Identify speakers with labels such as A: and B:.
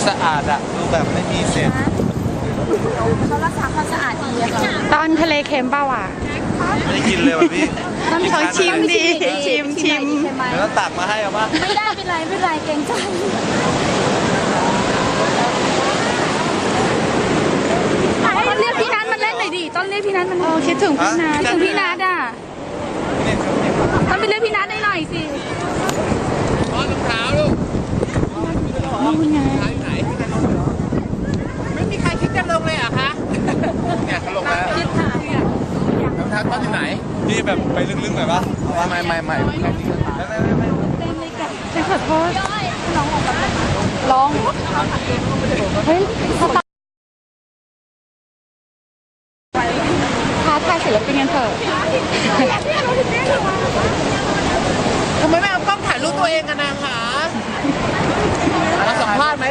A: สะอาดอะดูแบบไม่มีเศษ
B: เขารักษาความสะอาดดีอะค่ะ
C: ตอนทะเลเค็มเปล่าอ่ะ
A: ไม่ได้กินเลยว่ะพี่
C: ต้องเขาชิมดิชิม
A: เดี๋ยวต้องตักมาให้เอามา
B: ไม่ได้เป็นไรไม่เป็นไรเกรงใจต้นเรียกพี่นัทมาเล่นหน่อยดิต้นเรียกพี่นัทมาหน่อย
C: คิดถึงพี่นัท
B: ถึงพี่นัทอ่ะต้นไปเรียกพี่นัทได้หน่อยสิ
A: รองเท้าลูก
C: นี่ไง
D: ไม่มีใครคิดจะลงเลยเหรอคะ
A: เนี่ยเขาลงแล้ว
B: คิดค่ะ
D: รองเท้าต้นอยู่ไหน
A: พี่แบบไปลึกๆหน่อยปะ
D: ไม่
C: ฉันขอโทษร้องเฮ้ยท้าทายศิลปินกันเถอะ
D: ทำไมไม่เอากล้องถ่ายรูปตัวเองกันนะคะมาสัมภาษณ์ไหม